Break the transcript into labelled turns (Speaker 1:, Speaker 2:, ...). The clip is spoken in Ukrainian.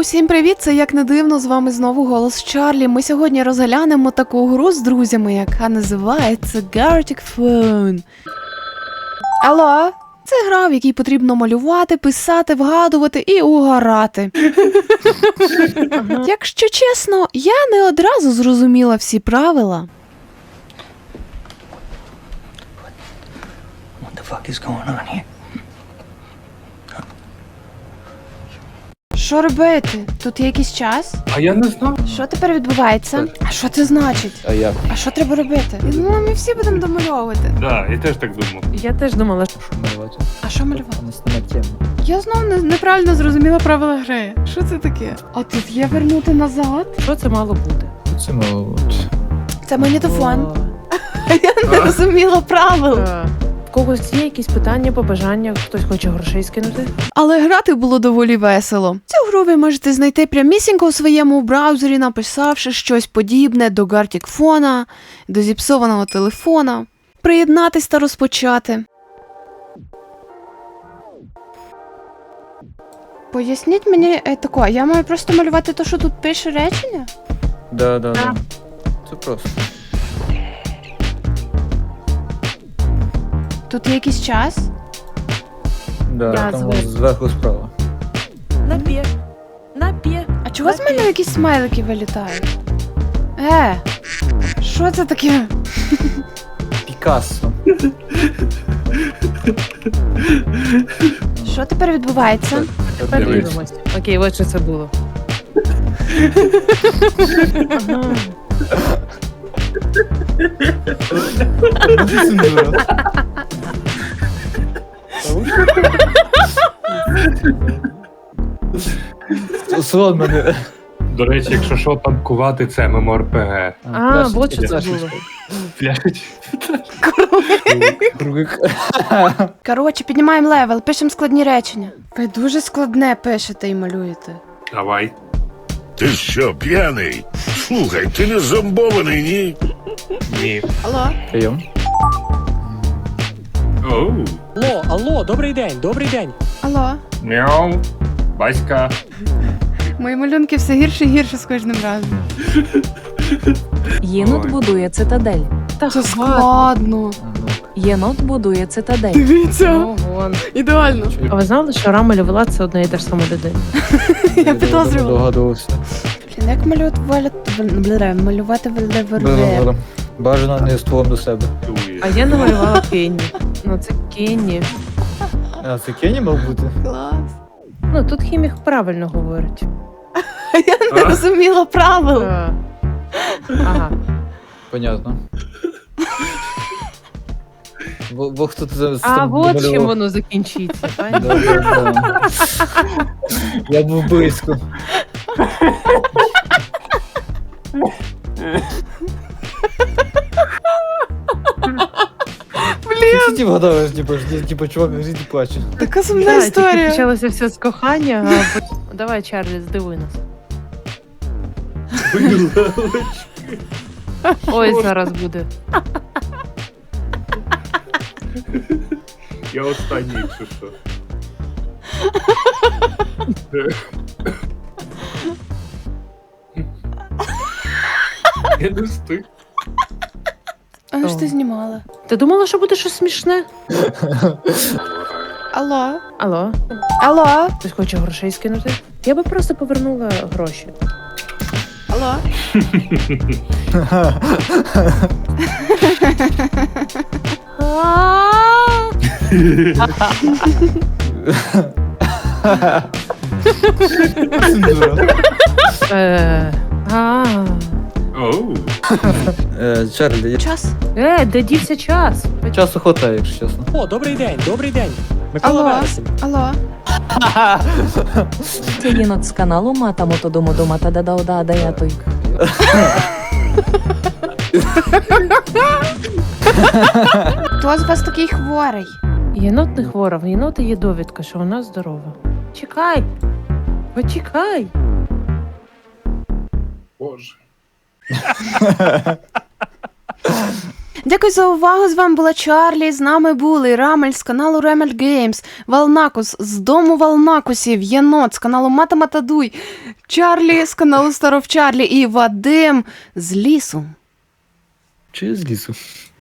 Speaker 1: всім привіт! Це як не дивно, з вами знову голос Чарлі. Ми сьогодні розглянемо таку гру з друзями, яка називається Gartic Phone. Алло, це гра, в якій потрібно малювати, писати, вгадувати і угорати. Якщо чесно, я не одразу зрозуміла всі правила.
Speaker 2: What the fuck is going on here?
Speaker 1: Що робити? Тут є якийсь час?
Speaker 3: А я не знав.
Speaker 1: Що тепер відбувається? А що це значить?
Speaker 4: А як?
Speaker 1: А що треба робити? Ну, ми всі будемо домальовувати.
Speaker 3: Да, я теж так думав.
Speaker 5: Я теж думала, що
Speaker 4: Що малювати?
Speaker 1: А що малювати?
Speaker 4: У нас нема теми.
Speaker 1: Я знову неправильно зрозуміла правила гри. Що це таке? А тут є вернути назад?
Speaker 5: що це мало бути.
Speaker 4: Це мало.
Speaker 1: Це магнітофон. Я не розуміла правил.
Speaker 5: В когось є якісь питання, побажання, хтось хоче грошей скинути?
Speaker 1: Але грати було доволі весело. Цю гру ви можете знайти прямісінько у своєму браузері, написавши щось подібне до Gartic Phone, до зіпсованого телефона, приєднатись та розпочати. Поясніть мені тако, я маю просто малювати те, що тут пише речення?
Speaker 4: Да. Це просто.
Speaker 1: Тут є якийсь час?
Speaker 4: Да,
Speaker 5: Я
Speaker 4: там
Speaker 5: зверху.
Speaker 4: зверху справа.
Speaker 5: Напє.
Speaker 1: А чого з мене якісь смайлики вилітають? Що це таке?
Speaker 4: Пікассо.
Speaker 1: Що тепер відбувається?
Speaker 5: Тепер
Speaker 3: Дивись.
Speaker 5: дивимось. Окей, от що це було. Ага.
Speaker 4: Сон мене.
Speaker 3: До речі, якщо що, танкувати це ММОРПГ.
Speaker 5: от що це було.
Speaker 3: Фляшить.
Speaker 4: Кругик.
Speaker 1: Коротше, піднімаємо левел, пишемо складні речення. Ви дуже складне пишете і малюєте.
Speaker 3: Давай.
Speaker 6: Ти що, п'яний? Слухай, ти не зомбований, ні?
Speaker 3: Ні.
Speaker 1: Алло?
Speaker 4: Прийом.
Speaker 3: Оу.
Speaker 7: Алло, добрий день.
Speaker 1: Алло?
Speaker 3: Мяу. Баська.
Speaker 1: Мої малюнки все гірше і гірше з кожним разом.
Speaker 8: Єнот
Speaker 3: Ой.
Speaker 8: будує цитадель.
Speaker 5: Та
Speaker 1: Це
Speaker 5: хватить.
Speaker 1: складно.
Speaker 8: Єнот будує цитадель.
Speaker 1: Дивіться,
Speaker 5: Ого.
Speaker 1: ідеально.
Speaker 5: А ви знали, що Рама і Левела це одна і та ж сама людина?
Speaker 1: Я підозрювала.
Speaker 4: Догадувався.
Speaker 1: Блін, як малювати вельвер.
Speaker 4: Бажано не стволом до себе.
Speaker 3: Чує.
Speaker 5: А я намалювала Кенні. Ну це Кенні.
Speaker 4: А, це Кенні мав бути?
Speaker 1: Клас.
Speaker 5: Ну тут хімік правильно говорить.
Speaker 1: Я не розуміла правил.
Speaker 5: Ага.
Speaker 4: Понятно. Бог тут з
Speaker 5: А
Speaker 4: там
Speaker 5: от чим
Speaker 4: домалював.
Speaker 5: воно закінчиться.
Speaker 4: Да. Я був близько. Блін! Ти вгадав, типу, чувак в житті плаче.
Speaker 1: Така сумна історія.
Speaker 5: Почалося все з кохання, а потім... Давай, Чарлі, здивуй нас. Ой, зараз буде.
Speaker 3: Я останній, якщо що. Я не встиг.
Speaker 1: А ну ж ти знімала?
Speaker 5: Ти думала, що буде щось смішне?
Speaker 1: Алло?
Speaker 5: Алло?
Speaker 1: Алло?
Speaker 5: Хтось хоче грошей скинути? Я би просто повернула гроші.
Speaker 1: Алло?
Speaker 3: Оу.
Speaker 4: Чарлі,
Speaker 1: Час?
Speaker 5: Де дівся час?
Speaker 4: часу хватає, якщо чесно.
Speaker 7: О, добрий день. Микола
Speaker 1: Алло?
Speaker 7: Вересень.
Speaker 1: Алло?
Speaker 8: Це єнот з каналу Мата Мотодому Мата Дадаода Даятой.
Speaker 1: Хто з вас такий хворий?
Speaker 5: Єнот не хвора, в єнота є довідка, що вона здорова. Чекай! Почекай!
Speaker 3: Боже.
Speaker 1: Дякую за увагу. З вами була Чарлі. З нами були Рамель з каналу Ремель Геймс, Валнакус з дому Валнакусів, Єнот з каналу Мата Матадуй, Чарлі з каналу Старов Чарлі і Вадим з лісу.
Speaker 4: Чи з лісу?